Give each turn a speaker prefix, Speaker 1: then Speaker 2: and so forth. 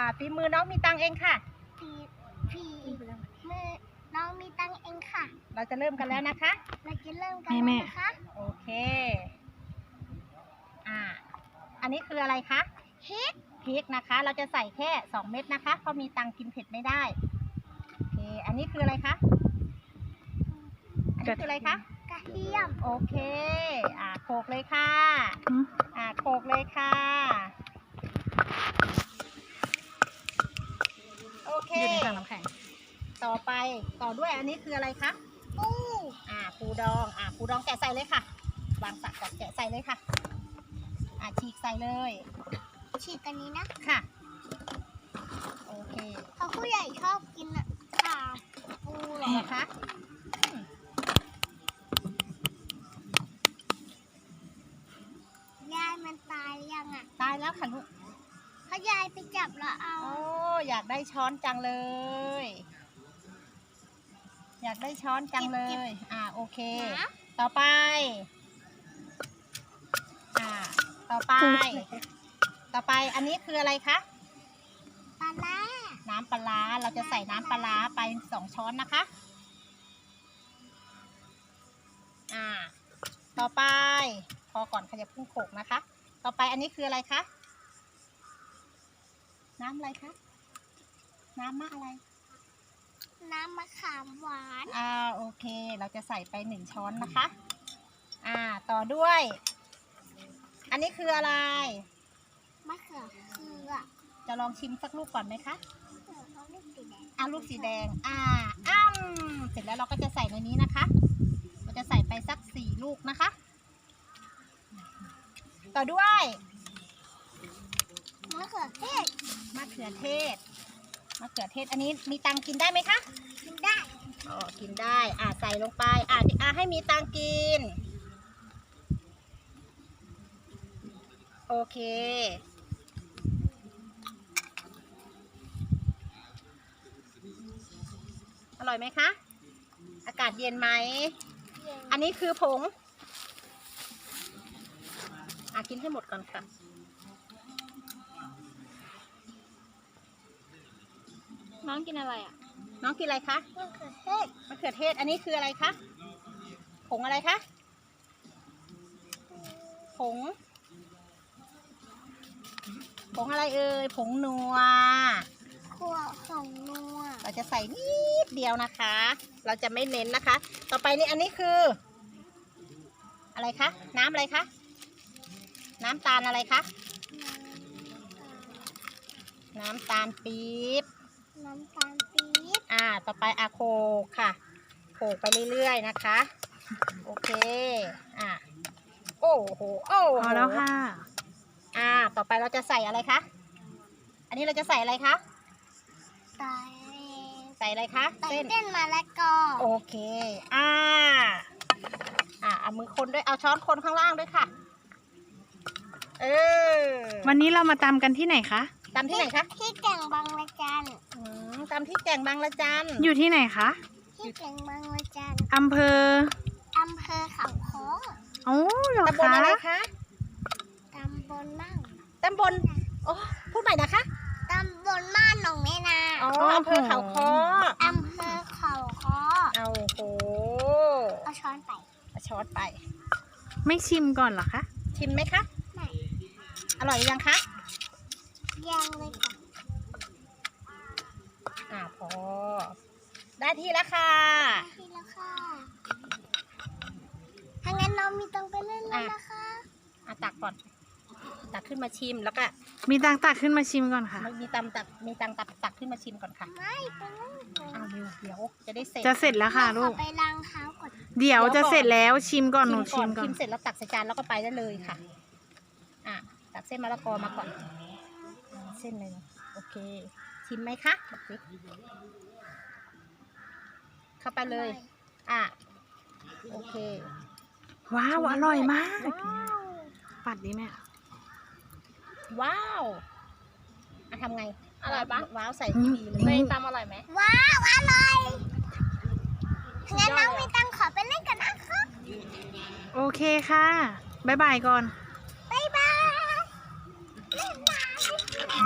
Speaker 1: ฝีมือน้องมีตังเองค่ะ
Speaker 2: ฝีมือน้องมีตังเองค่ะ
Speaker 1: เราจะเริ่มกันแล้วนะคะ
Speaker 2: เราจะเริ่มกันแล้วนะคะ
Speaker 1: โอเคอันนี้คืออะไรคะพริกนะคะเราจะใส่แค่2 เม็ดนะคะเพราะมีตังกินเผ็ดไม่ได้โอเคอันนี้คืออะไรคะอันนี้คืออะไรคะ
Speaker 2: กระเทียม
Speaker 1: โอเคโขลกเลยค่ะโขลกเลยค่ะโอเคอยู่ในถังน้ำแข็งต่อด้วยอันนี้คืออะไรคะปูดองปูดองแกะใส่เลยค่ะวางสักก่อนแกะใส่เลยค่ะฉีกใส่เลย
Speaker 2: ฉีกอันนี้นะ
Speaker 1: ค่ะโอเค
Speaker 2: เขาผู้ใหญ่ชอบกินค่ะปูเหรอ
Speaker 1: คะ
Speaker 2: ยายมันตายยัง
Speaker 1: ตายแล้วค่ะลูก
Speaker 2: ถ้ายายไปจับแล้วเอา
Speaker 1: อยากได้ช้อนจังเลยอยากได้ช้อนจังเลยโอเคต่อไปต่อไปอันนี้คืออะไรคะ
Speaker 2: ปลาร้า
Speaker 1: น้ำปลาเราจะใส่น้ำปลาไป2 ช้อนนะคะต่อไปพอก่อนขยับพุ่งโขกนะคะต่อไปอันนี้คืออะไรคะน้ำอะไรคะน้ำมะอะไร
Speaker 2: น้ำมะขามหวาน
Speaker 1: โอเคเราจะใส่ไป1 ช้อนนะคะต่อด้วยอันนี้คืออะไร
Speaker 2: มะเขือ
Speaker 1: จะลองชิมสักลูกก่อนไหมคะลูกสีแดงเสร็จแล้วเราก็จะใส่ในนี้นะคะเราจะใส่ไปสัก4 ลูกนะคะต่อด้วย
Speaker 2: มะเขือเทศ
Speaker 1: อันนี้มีตังกินได้ไหมคะ
Speaker 2: กินได้
Speaker 1: กินได้ใส่ลงไปให้มีตังกินโอเคอร่อยไหมคะอากาศเย็นไหมอันนี้คือผงกินให้หมดก่อนค่ะ
Speaker 2: น้องกินอะไร
Speaker 1: น้องกินอะไรคะมะเขือเทศอันนี้คืออะไรคะผงอะไรคะผงอะไรเอ่ยผงนัว
Speaker 2: ผงนัว
Speaker 1: เราจะใส่นิดเดียวนะคะเราจะไม่เน้นนะคะต่อไปนี่อันนี้คืออะไรคะน้ำอะไรคะน้ำตาลอะไรคะน้ำตาลปี๊บต่อไปโขลกค่ะโขลกไปเรื่อยๆนะคะโอเคโอ้โห
Speaker 3: พอแล้วค่ะ
Speaker 1: ต่อไปเราจะใส่อะไรคะอันนี้เราจะใส่อะไรคะใส่อะไรคะ
Speaker 2: เส้นมะละกอ
Speaker 1: โอเคเอามือคนด้วยเอาช้อนคนข้างล่างด้วยค่ะ
Speaker 3: วันนี้เรามาตำกันที่ไหนคะ
Speaker 1: ตำที่ไหนคะ
Speaker 2: ที่แก่งบางละจัน
Speaker 1: ตำที่แก่งบางละจัน
Speaker 3: อยู่ที่ไหนคะ
Speaker 2: ที่แก่งบางละจัน
Speaker 3: อำเภอ
Speaker 2: เขาค้อ
Speaker 3: เหรอคะ
Speaker 1: ตำบลอะไรคะ
Speaker 2: ตำบล
Speaker 1: พูดใหม่นะคะ
Speaker 2: ตำบลม่านหนองแม่นา
Speaker 1: อำเภอเขาค้อโอ้โห
Speaker 2: เอาช้อนไป
Speaker 3: ไม่ชิมก่อนเหรอคะ
Speaker 1: ชิมไหมคะ
Speaker 2: ไม่
Speaker 1: อร่อยยังคะ
Speaker 2: ยังเลย
Speaker 1: ค่ะพอได้ที่แล้วค่ะ
Speaker 2: ถ้างั้นน้องมีตังไปเล่นแล้วนะคะ
Speaker 1: ตักก่อนตักขึ้นมาชิมแล้วก็
Speaker 3: มีตังตักขึ้นมาชิมก่อนค่ะ
Speaker 1: มีตังตักขึ้นมาชิมก่อนค่ะ
Speaker 2: ไม่ไปเล่น
Speaker 1: เดี๋ยวจะได้เสร็จ
Speaker 3: จะเสร็จแล้วค่ะลูก
Speaker 2: ไปล้างเท้าก่อน
Speaker 3: เดี๋ยวจะเสร็จแล้วชิมก่อนหนูชิมก่อน
Speaker 1: ชิมเสร็จแล้วตักใส่จานแล้วก็ไปได้เลยค่ะตักเส้นมะละกอมาก่อนเส้นหนึ่งโอเคชิมไหมคะเข้าไปเลยโอเค
Speaker 3: ว้าวอร่อยมากปัดดีแม่
Speaker 1: ว้าวทำไงอร่อยปะว้าวใส่ที่ดีเลย
Speaker 3: ไม่
Speaker 1: ตำอร่อยไหม
Speaker 2: ว้าวอร่อยงั้นน้องมีตังขอไปเล่นกันนะคะ
Speaker 3: โอเคค่ะบ๊ายบายก่อน
Speaker 2: บ๊ายบายเล่นน้ำ